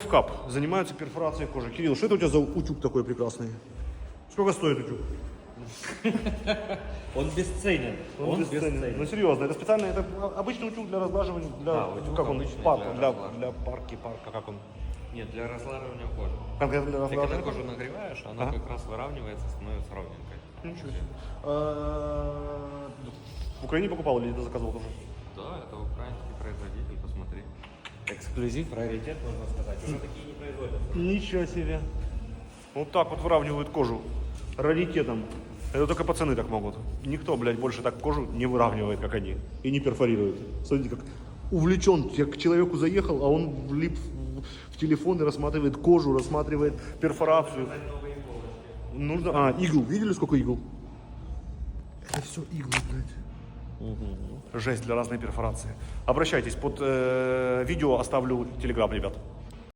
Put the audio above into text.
лайфхак. Занимаются перфорацией кожи. Кирилл, что это у тебя за утюг такой прекрасный? Сколько стоит утюг? Он бесценен. Он бесценен. Ну серьезно, это специально, это обычный утюг для разглаживания, для, Да, утюг как он, обычный парк, для для парка, как он? Нет, для разлаживания кожи. Конкретно для Ты когда разглаживания? кожу нагреваешь, она Ага. как раз выравнивается, становится ровненькой. Ничего себе. В Украине покупал или ты заказывал тоже? Да, это украинский производитель, посмотри. Эксклюзив, раритет, можно сказать. Уже такие не производятся. Ничего себе. Вот так вот выравнивают кожу. Раритетом. Это только пацаны так могут. Никто, блядь, больше так кожу не выравнивает, как они. И не перфорирует. Смотрите, как увлечен. Я к человеку заехал, а он влип в телефон и рассматривает кожу, рассматривает перфорацию. Нужно... А, игл. Видели, сколько игл? Это все иглы, блядь. Жесть для разной перфорации. Обращайтесь. Под видео оставлю телеграм, ребят.